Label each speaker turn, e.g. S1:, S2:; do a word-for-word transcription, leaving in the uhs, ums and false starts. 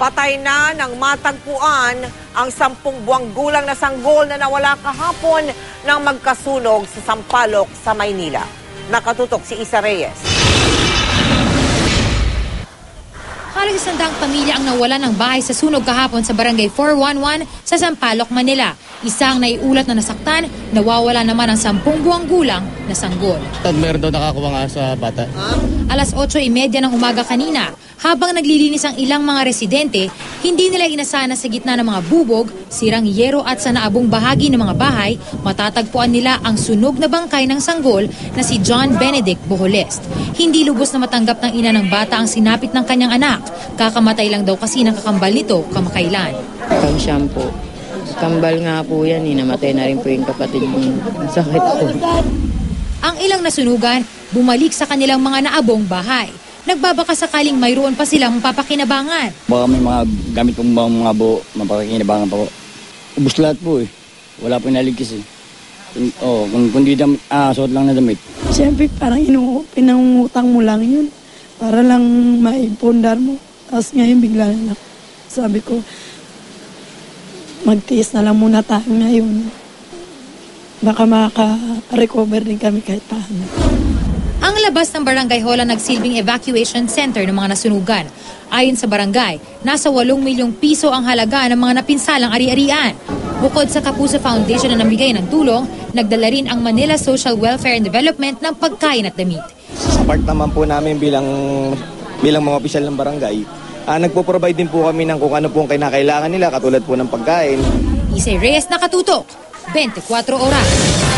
S1: Patay na ng matagpuan ang sampung buwang gulang na sanggol na nawala kahapon nang magkasunog sa Sampaloc sa Maynila. Nakatutok si Isa Reyes.
S2: Halos isang daang pamilya ang nawala ng bahay sa sunog kahapon sa Barangay four one one sa Sampaloc, Manila. Isang naiulat na nasaktan, nawawala naman ang sampung buwang gulang na sanggol.
S3: Meron daw nakakuha nga sa bata.
S2: Alas otso trenta ng umaga kanina, habang naglilinis ang ilang mga residente, hindi nila inasana sa gitna ng mga bubog, sirang yero at sa naabong bahagi ng mga bahay, matatagpuan nila ang sunog na bangkay ng sanggol na si John Benedict Boholest. Hindi lubos na matanggap ng ina ng bata ang sinapit ng kanyang anak. Kakamatay lang daw kasi ng kakambal nito kamakailan.
S4: Pang shampoo. Kambal nga po yan, eh. Namatay na rin po yung kapatid mo. Sakit po.
S2: Ang ilang nasunugan, bumalik sa kanilang mga naabong bahay. Nagbabaka sakaling mayroon pa silang papakinabangan.
S5: Baka may mga gamit pong mga, mga buo, mapakinabangan pa po. Ubus lahat po eh. Wala po naligkis eh. Oh, kung, kung di damit, ah, suot lang na damit.
S6: Siyempre parang inu pinangungutang mo lang yun. Para lang maipundar mo. Tapos ngayon bigla na lang. Sabi ko, magtiis na lang muna tayo ngayon. Baka makaka-recover din kami kahit paano.
S2: Ang labas ng barangay hall ang nagsilbing evacuation center ng mga nasunugan. Ayon sa barangay, nasa walong milyong piso ang halaga ng mga napinsalang ari-arian. Bukod sa Kapuso Foundation na namigay ng tulong, nagdala rin ang Manila Social Welfare and Development ng pagkain at damit.
S7: Sa part naman po namin bilang, bilang mga opisyal ng barangay, Uh, nagpo-provide din po kami ng kung ano pong kinakailangan nila, katulad po ng pagkain.
S2: Isay Reyes, Nakatutok, twenty-four oras.